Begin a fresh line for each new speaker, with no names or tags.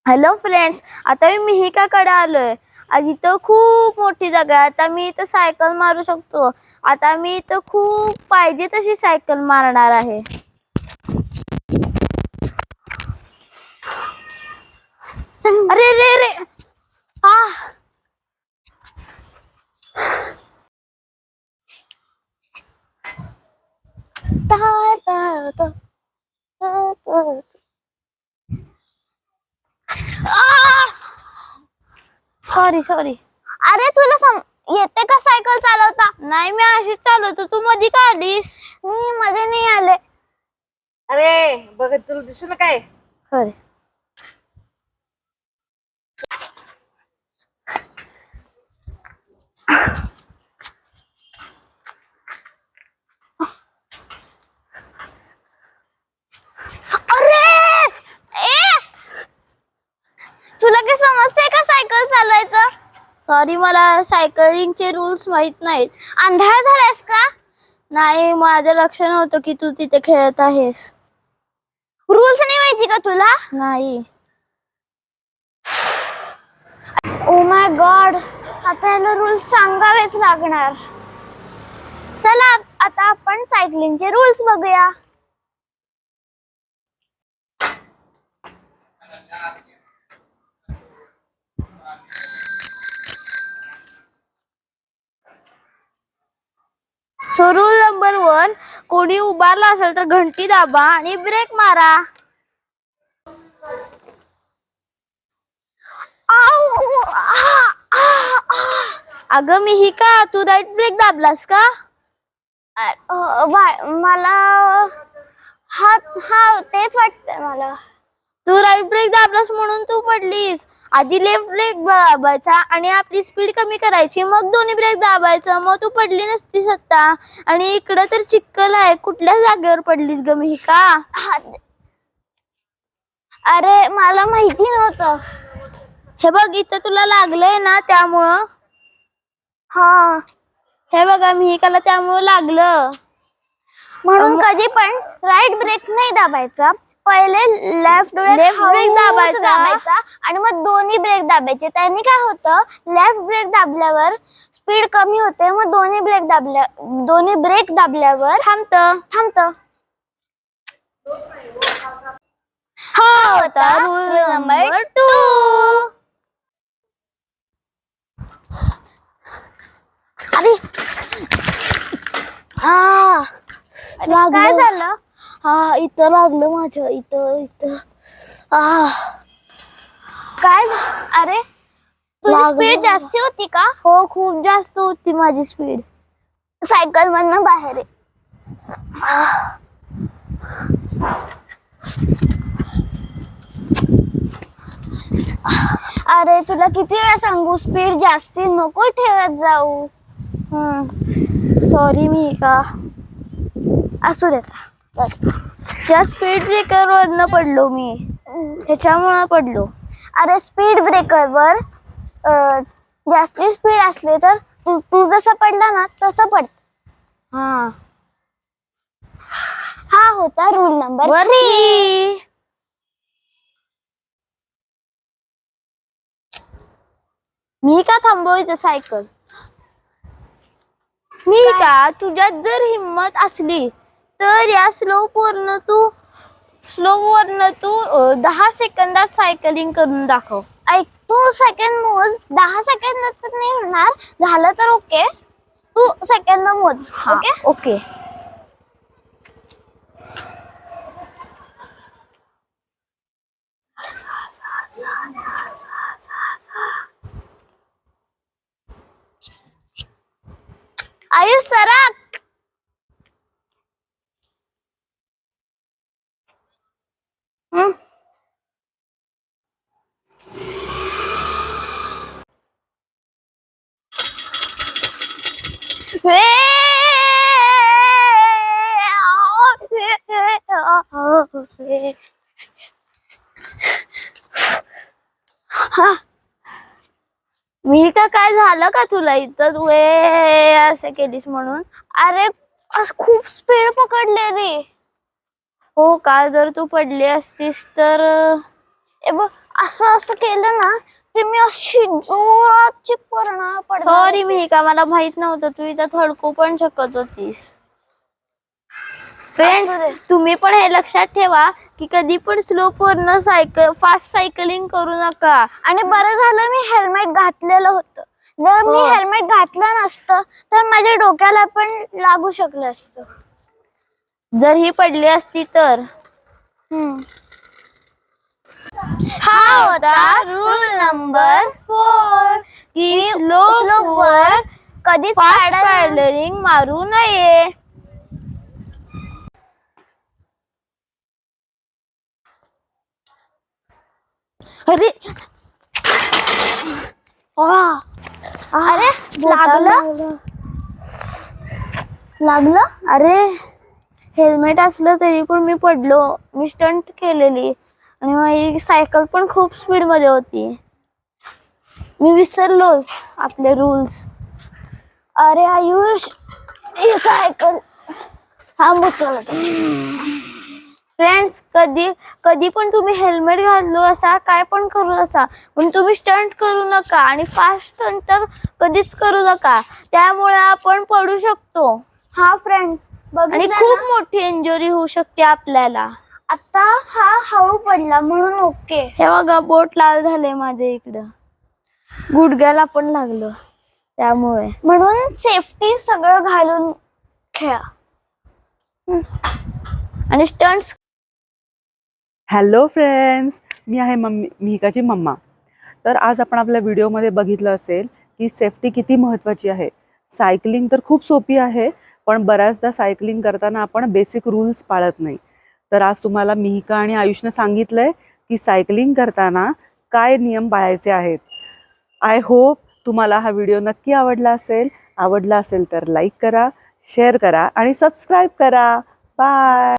Hello friends, आता मी मिहिकाकडे आलोय. आज इथं खूप मोठी जागा आहे. आता मी इथं सायकल मारू शकतो. आता मी इथं खूप पाहिजे तशी सायकल मारणार आहे. अरे रे रे आ ता ता ता ता सॉरी सॉरी. अरे तुला येते का सायकल चालवता? नाही, मी अशीच चालवतो. तू मध्ये का आलीस? मी मध्ये नाही आले.
अरे बघ, तुला दिसू ना काय?
सॉरी. तुला काय समजते का सायकल चालवायचं? सॉरी, मला सायकलिंगचे रूल्स माहित नाहीत. आंधळा झालायस का? नाही, माझं लक्ष नव्हतं की तू तिथे खेळत आहेस. रूल्स नाही माहिती का तुला? नाही. ओ माय गॉड, आता याला रूल्स सांगावेच लागणार. चला आता आपण सायकलिंगचे रूल्स बघूया. सो रूल नंबर 1, कोणी उभारला असेल तर घंटी दाबा आणि ब्रेक मारा. अगं मिहिका, तू राईट ब्रेक दाबलास का? मला हा हा तेच वाटतंय मला. तू राईट ब्रेक दाबलास म्हणून तू पडलीस. आधी लेफ्ट ब्रेक दाबायचा आणि आपली स्पीड कमी करायची, मग दोन्ही ब्रेक दाबायचं, मग तू पडली नसतीस आता. आणि इकडं तर चिखल आहे. कुठल्या जागेवर पडलीस ग मिहिका? अरे मला माहिती नव्हतं. हे बघ, इथं तुला लागलंय ना, त्यामुळं. हा, हे बघा मिहिकाला त्यामुळे लागलं. म्हणून कधी पण राईट ब्रेक नाही दाबायचा. पहिले लेफ्ट ब्रेक दाबायचा आणि मग दोन्ही ब्रेक दाबायचे. त्याने काय होतं, लेफ्ट ब्रेक दाबल्यावर स्पीड कमी होते, मग दोन्ही ब्रेक दाबल्यावर थांबतं. हा होता रूल नंबर 2. अरे काय झालं? हा, इथं लागलं माझ्या. इथं काय? अरे तुझी स्पीड जास्ती होती का? हो, खूप जास्त होती माझी स्पीड. सायकल मधनं बाहेर आहे. अरे तुला किती वेळा सांगू, स्पीड जास्ती नको ठेवत जाऊ. सॉरी मिहिका. असू देता. त्या स्पीड ब्रेकर वरनं पडलो मी. त्याच्यामुळे पडलो. अरे स्पीड ब्रेकरवर जास्ती स्पीड असले तर तू जसं पडला ना तसं पड. हा होता रूल नंबर 3. मी का थांबवायचं सायकल? मी का, तुझ्यात जर हिम्मत असली तर या स्लोप वरनं तू 10 सेकंदात सायकलिंग करून दाखव. ऐक, तू सेकंद मोज. 10 सेकंद तर नाही होणार. झालं तर ओके, तू सेकंद मोज. ओके. आयुष सरक. मी का, काय झालं का तुला इथं? तू असं केलीस म्हणून? अरे खूप स्पीड पकडले रे. हो का? जर तू पडली असतीस तर असं असं केलं ना की मी अशी जोराची पडणार पडणार. सॉरी मिहिका, मला माहित नव्हतं तू इथं थडकू पण शकत होतीस. फ्रेंड्स, तुम्ही पण हे लक्षात ठेवा की कधी पण स्लोप वरनं फास्ट सायकलिंग करू नका. आणि बरं झालं मी हेल्मेट घातलेलं होतं. जर मी हेल्मेट घातलं नसतं तर माझ्या डोक्याला पण लागू शकलं असतं. जर ही पडली असती तर. हा होता रूल नंबर 4 की स्लोप वर कधीच पॅडलिंग मारू नये. अरे अरे लागलं. अरे हेल्मेट असलं तरी पण मी पडलो. मी स्टंट केलेली आणि माझी सायकल पण खूप स्पीड मध्ये होती. मी विसरलोच आपले रूल्स. अरे आयुष, ही सायकल थांबू. फ्रेंड्स, कधी पण तुम्ही हेल्मेट घालू असा, काय पण करू असा, पण तुम्ही स्टंट करू नका आणि फास्ट स्टंट तर कधीच करू नका. त्यामुळे आपण पडू शकतो. हा फ्रेंड्स, आणि खूप मोठी इंजुरी होऊ शकते आपल्याला. आता हा हळू पडला म्हणून ओके. हे बघा, बोट लाल झाले माझे इकडं, गुडघ्याला पण लागलं. त्यामुळे म्हणून सेफ्टी सगळं घालून खेळा. आणि स्टंट्स.
हॅलो फ्रेंड्स, मी आहे मिहिकाची मम्मा. तर आज आपण आपल्या व्हिडिओमध्ये बघितलं असेल की सेफ्टी किती महत्त्वाची आहे. सायकलिंग तर खूप सोपी आहे, पण बऱ्याचदा सायकलिंग करताना आपण बेसिक रूल्स पाळत नाही. तर आज तुम्हाला मिहिका आणि आयुषने सांगितलंय की सायकलिंग करताना काय नियम पाळायचे आहेत. आय होप तुम्हाला हा व्हिडिओ नक्की आवडला असेल तर लाईक करा, शेअर करा आणि सबस्क्राईब करा. बाय.